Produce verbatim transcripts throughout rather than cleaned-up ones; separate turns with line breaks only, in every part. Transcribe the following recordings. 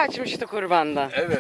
kaçmıştı kurbanda.
Evet.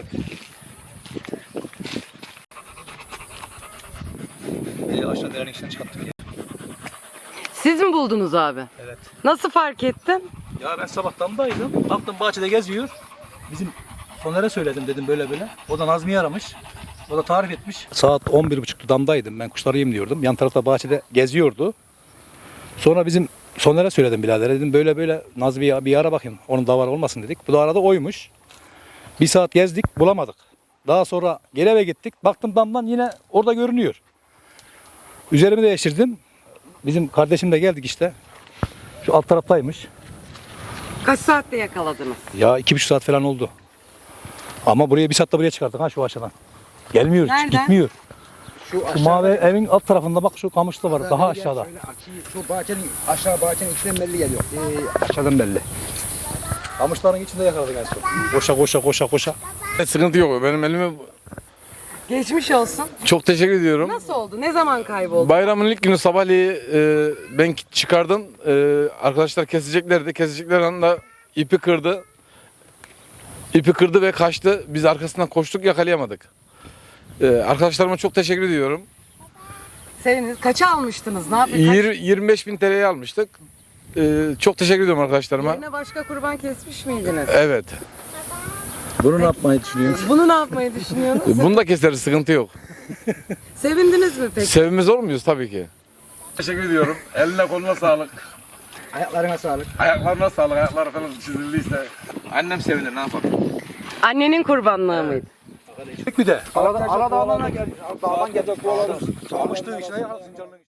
Ee, aşağı derenin içinden çıkarttık ya.
Siz mi buldunuz abi?
Evet.
Nasıl fark ettin?
Ya ben sabah damdaydım. Baktım bahçede geziyor. Bizim Soner'e söyledim dedim böyle böyle. O da Nazmi'yi aramış. O da tarif etmiş. Saat on bir buçuktu damdaydım. Ben kuşları yemliyordum. Yan tarafta bahçede geziyordu. Sonra bizim Soner'e söyledim birader. Dedim böyle böyle Nazmi'yi bir ara bakayım. Onun davar olmasın dedik. Bu da arada oymuş. Bir saat gezdik bulamadık. Daha sonra geri eve gittik. Baktım damdan yine orada görünüyor. Üzerimi değiştirdim. Bizim kardeşim de geldik işte. Şu alt taraftaymış.
Kaç saatte yakaladınız?
Ya iki buçuk saat falan oldu. Ama buraya bir saatte buraya çıkardık ha şu aşağıdan. Gelmiyor,
Nereden?
gitmiyor.
Şu,
Şu mavi evin alt tarafında bak şu kamışlı var daha aşağıda.
Şöyle açıyı, şu bahçenin aşağı bahçenin içinden belli geliyor. Ee, aşağıdan belli.
Kamışların içinde yakaladık en son. Koşa koşa koşa koşa.
Sıkıntı yok. Benim elime
Geçmiş olsun.
çok teşekkür ediyorum.
Nasıl oldu? Ne zaman kayboldu?
Bayramın ilk günü sabahleyi e, ben çıkardım. E, arkadaşlar keseceklerdi. Kesecekler anda ipi kırdı. İpi kırdı ve kaçtı. Biz arkasından koştuk, yakalayamadık. E, arkadaşlarıma çok teşekkür ediyorum.
Seviniz. Kaça almıştınız? Ne yapıyorsunuz?
Yir- yirmi beş bin T L'ye almıştık. E, çok teşekkür ediyorum arkadaşlarıma.
Yerine başka kurban kesmiş miydiniz?
Evet.
Bunu ne yapmayı düşünüyorsun?
Bunu ne yapmayı düşünüyorsunuz?
Bunu da keseriz, sıkıntı yok.
Sevindiniz mi peki?
Sevimiz olur muyuz? Tabii ki. Teşekkür ediyorum. Eline koluna sağlık.
Ayaklarına sağlık.
Ayaklarına sağlık. Ayakları falan çizildiyse. Annem sevinir, ne yapalım?
Annenin kurbanlığı mıydı?
Bir de.
Aradan, aradan, aradan gelmiş. Dağdan geldik.
Kamışlığın içine yakaladık.